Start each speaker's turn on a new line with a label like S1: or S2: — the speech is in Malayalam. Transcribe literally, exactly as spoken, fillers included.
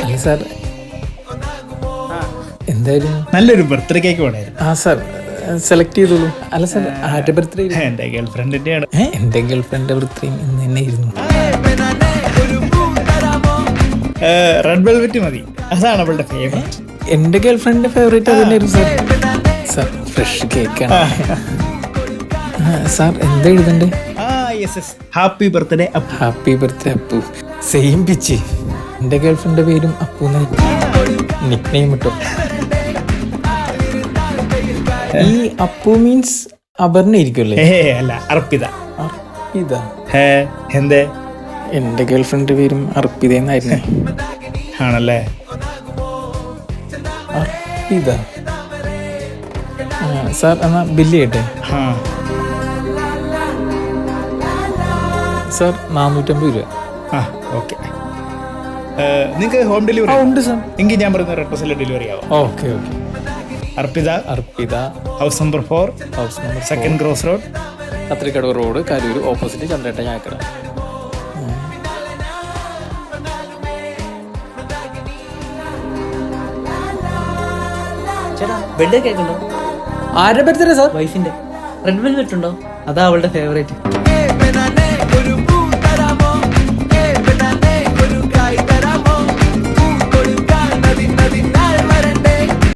S1: അല്ല സാർ, എന്തായാലും
S2: നല്ലൊരു ബർത്ത്ഡേ കേക്ക് വേണമായിരുന്നു.
S1: ആ സാർ സെലക്ട് ചെയ്തോളൂ. അല്ല സാർ, ആരുടെ ബർത്ത്ഡേ?
S2: എൻ്റെ ഗേൾ ഫ്രണ്ടിൻ്റെയാണ്.
S1: എൻ്റെ ഗേൾ ഫ്രണ്ടിൻ്റെ ബർത്ത്ഡേ ഇന്ന് തന്നെ ഇരുന്നു.
S2: റെഡ് വെൽവെറ്റ് മതി, അതാണ് അവളുടെ ഫേവറേറ്റ്.
S1: എൻ്റെ ഗേൾ ഫ്രണ്ടിൻ്റെ ഫേവറേറ്റ് അത് തന്നെയായിരുന്നു സാർ. സാർ ഫ്രഷ് കേക്കാണ്. സാർ എന്താ എഴുതണ്ടേ?
S2: ആ yes yes, happy birthday Appu.
S1: Happy birthday Appu. Same pitch. എൻ്റെ ഗേൾ ഫ്രണ്ടിൻ്റെ പേരും അപ്പു നിക് നെയിം ഇട്ടോ. ഈ അപ്പു മീൻസ് അപർണ ഇരിക്കുമല്ലേ?
S2: ഏ അല്ല, അർപ്പിത.
S1: അർപ്പിത?
S2: ഹേ എന്തേ?
S1: എൻ്റെ ഗേൾ ഫ്രണ്ടിൻ്റെ പേരും അർപ്പിത എന്നായിരുന്നു.
S2: ആണല്ലേ?
S1: അർപ്പിത. സാർ എന്നാ ബില്ല് ചെയ്യട്ടെ?
S2: ആ
S1: സാർ നാനൂറ്റമ്പത് രൂപ.
S2: ആ ഓക്കെ. നിങ്ങൾക്ക് ഹോം ഡെലിവറി
S1: ഉണ്ട് സാർ.
S2: എങ്കിൽ ഞാൻ പറയുന്ന അഡ്രസ്സിൽ ഡെലിവറി ആവും.
S1: Okay okay.
S2: Arpitha,
S1: Arpitha,
S2: house number four,
S1: house number
S2: second cross road,
S1: Kathrikadavu road, Karur, opposite ചന്ദ്രേട്ട ചായക്കട.
S3: ചേട്ടാ ബർത്ത്ഡേ കേക്ക് ഉണ്ടോ?
S1: ആരുടെ ബർത്ത്ഡേ സാർ?
S3: വൈഫിന്റെ. റെഡ് വെൽവെറ്റ് ഉണ്ടോ? അതാ അവളുടെ ഫേവറേറ്റ്.